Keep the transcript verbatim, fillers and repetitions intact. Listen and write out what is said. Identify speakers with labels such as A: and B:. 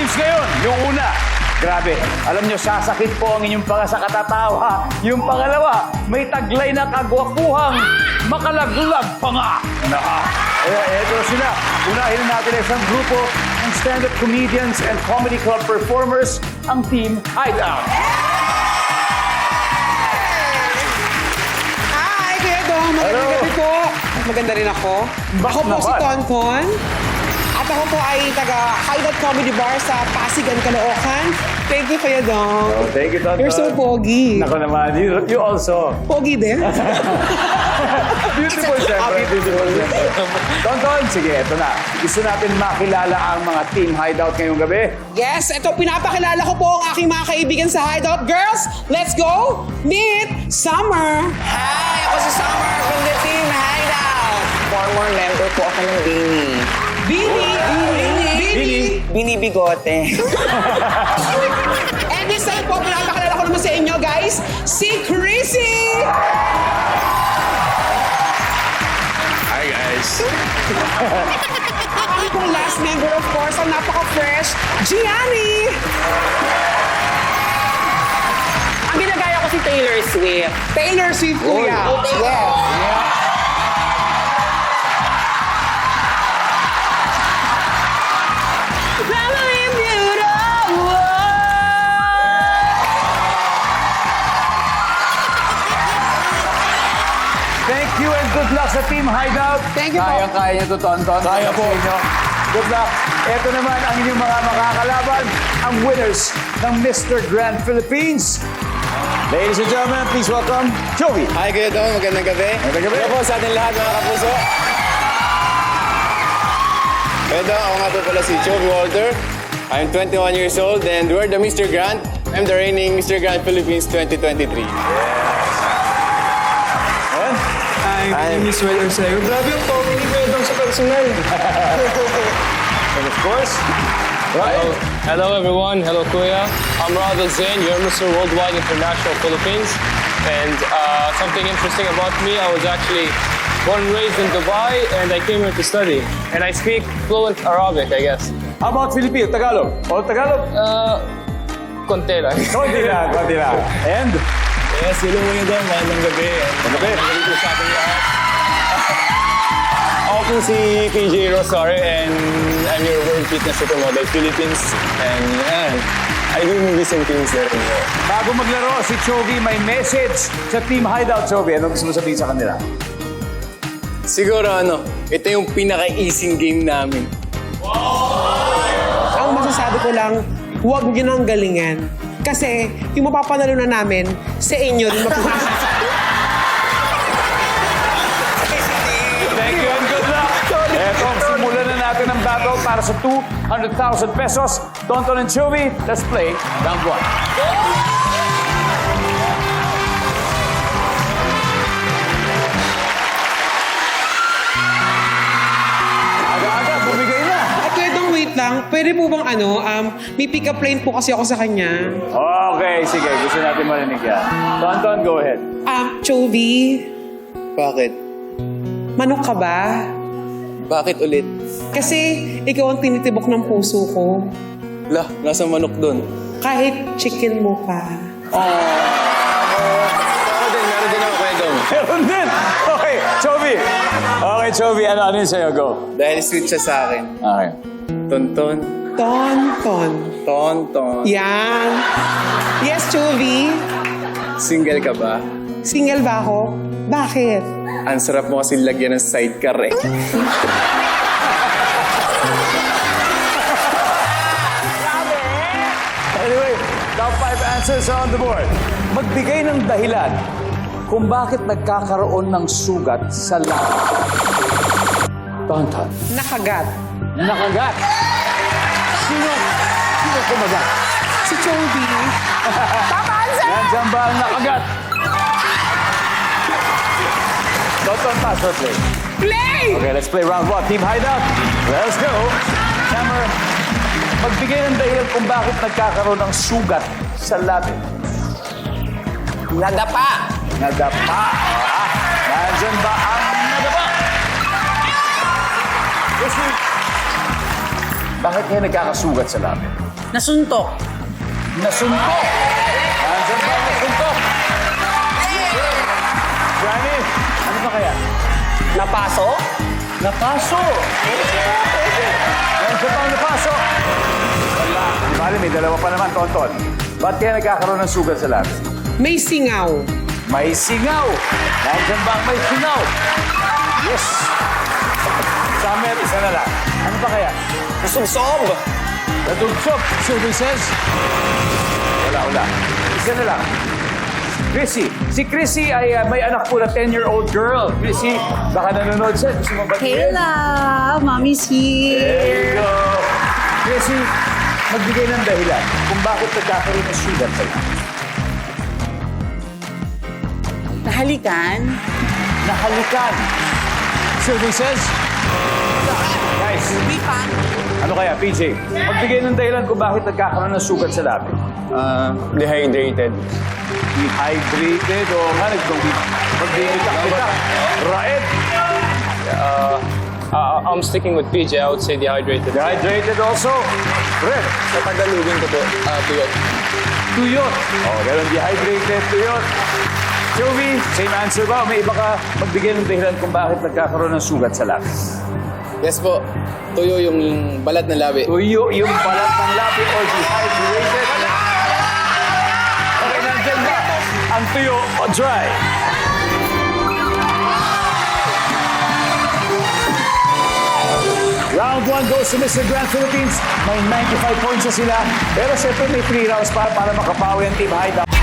A: teams ngayon. Yung una, grabe. Alam nyo, sasakit po ang inyong panga sa katatawa. Yung pangalawa, may taglay na kagwapuhang makalaglag pa nga. Naka. Eh, eto sila. Unahin natin ang isang grupo ng stand-up comedians and comedy club performers, ang Team Hideout.
B: Hi, Kuya Dong. Magandang
A: Hello.
B: gabi po. Maganda rin ako. Ako po si
A: naman.
B: Tonton. At ako po ay taga Hideout Comedy Bar sa Pasigan, Caloocan. Thank you, Kuya Dong.
A: Oh, thank you, Tonton.
B: You're so pogi.
A: Nako naman, you, you also.
B: Pogi din.
A: Beautiful, syempre. Beautiful, syempre. Tonton, sige, eto na. Gusto natin makilala ang mga Team Hideout ngayong gabi.
B: Yes, ito pinapakilala ko po ang aking mga kaibigan sa Hideout. Girls, let's go meet Summer.
C: Hi! Ako si Summer from the Team Hideout. Former member po ako ng Bini.
B: Bini. Bini. Bini.
C: Bini Bigote.
B: And this time po, pinapakilala ko naman sa inyo, guys, si Chrissy.
D: Hi guys.
B: Ang pong last member, of course, ang napaka-fresh, Gianni.
C: Ang ginagaya ko si Taylor Swift.
B: Taylor Swift, kuya.
C: Oh, Taylor.
B: Yes.
C: Family beautiful.
A: Thank you and good luck sa Team Hideout.
B: Thank you po.
A: Kaya-kaya niyo to, Tonton. Kaya po. Good luck. Ito naman ang inyong mga makakalaban, ang winners ng Mister Grand Philippines. Ladies and gentlemen, please welcome Jovi.
D: Hi Kuya Dong, magandang gabi.
A: Magandang gabi.
D: Hello po sa ating lahat mga kapuso. Kuya Dong, ako nga po pala si Jovi Walter. I'm twenty-one years old and we're the Mister Grand. I'm the reigning Mister Grand Philippines twenty twenty-three.
A: And,
E: Hi, Miss Well Arceo. Grabe yung pogi ni Kuya Dong sa personal.
A: and of course, Ryan.
F: Hello everyone, hello Kuya. I'm Radha Zain, you're Mister Worldwide International Philippines. And uh, something interesting about me, I was actually born and raised in Dubai and I came here to study. And I speak fluent Arabic, I guess.
A: How about Filipino? Tagalog? O Tagalog?
F: Uh, konti lang.
A: Konti lang, konti lang. And,
D: Yes, hello Kuya Dong, magandang gabi.
A: Magandang gabi.
D: Magandang gabi sa ating lahat. Ako po si P J Rosario and I'm your World Fitness Supermodel Philippines. And yan, I do movies and things there.
A: bago maglaro, si Jovi may message sa Team Hideout. Jovi, ano gusto mo sabihin sa kanila?
D: Siguro ano, ito yung pinaka-easing game namin.
B: Ang masasabi ko lang, huwag nyo nang galingan. Kasi yung mapapanalo na namin, sa inyo rin mapupunta.
A: Thank you and good luck. Eto, simulan na natin ang battle para sa two hundred thousand pesos. Tonton and Jovi, let's play round one. Aga-aga, bumigay na.
B: At Kuya Dong, wait lang. Pwede po bang ano, um, may pick-up line po kasi ako sa kanya.
A: Okay, sige. Gusto natin marinig yan. Tonton, go ahead.
B: Um, Chovy,
D: Bakit?
B: manok ka ba?
D: Bakit ulit?
B: Kasi ikaw ang tinitibok ng puso ko.
D: Lah, nasa manok doon.
B: Kahit chicken mo pa.
D: Ako din, meron din ako Kuya Dong.
A: Meron din. Okay, Jovi. Okay, Jovi. Ano, ano yun sa'yo? Go.
D: Dahil sweet siya sa akin.
A: Okay.
D: Tonton,
B: Tonton.
D: tonton.
B: Yan. Yes, Chovy.
D: Single ka ba?
B: Single ba ako? Bakit?
D: Ang sarap mo kasi lagyan ng sidecar eh.
A: Anyway, top five answers are on the board. Magbigay ng dahilan kung bakit nagkakaroon ng sugat sa labi. Tonton.
B: Nakagat.
A: Nakagat. Sino? Sino kumagat?
B: Si Chovy.
A: Nandiyan ba ang nakagat? Tonton, pass or play?
B: Play!
A: Okay, let's play round one. Team Hideout. Let's go. Hammer. Magbigay ng dahilan kung bakit nagkakaroon ng sugat sa labi.
C: Nadapa.
A: Nadapa. Ah, nandyan ba ang nadapa? Kasi, bakit kaya nagkakasugat sa labi?
G: Nasuntok.
A: Nasuntok. Nandiyan ba ang nasuntok? Johnny, ano ba kaya?
C: Napaso?
A: Napaso. Nandiyan ba ang napaso? Wala. Di bali, may dalawa pa naman, Tonton. Ba't kaya nagkakaroon ng sugat sa labi?
B: May singaw.
A: May singaw. Nandiyan ba ang may singaw? Yes. Summer, isa na lang. Ano ba kaya?
C: Nasubsob?
A: Natugtog. Services. Wala, wala. Isa na lang. Chrissy. Si Chrissy ay uh, may anak po na ten-year-old girl. Chrissy, baka nanonood siya. Gusto mo ba?
G: Hey, love. Mommy's
A: There you
G: here.
A: go. Chrissy, magbigay ng dahilan kung bakit nagkakaroon ng sugat sa'yo.
G: Nahalikan.
A: Nahalikan. Services. Guys, ano kaya, P J? Magbigay ng dahilan kung bakit nagkakaroon ng sugat sa labi.
F: Uh, dehydrated.
A: Dehydrated o nga, nagbibitak-bitak. Raed.
F: Uh, uh, I'm sticking with P J. I would say dehydrated.
A: Dehydrated also. Red.
F: Sa Tagalogin ko po, uh, tuyot.
A: Tuyot. Oh, ganun, dehydrated, tuyot. Joey, same answer ba? O may iba ka magbigay ng dahilan kung bakit nagkakaroon ng sugat sa labi?
D: Yes po. Tuyo yung balat ng labi.
A: Tuyo yung balat ng labi o dehydrated. Okay, nandyan ba? Ang tuyo o dry? Round one goes to Mister Grand Philippines. May ninety-five points na sila. Pero siyempre may three rounds pa para makapawi ang Team Hideout.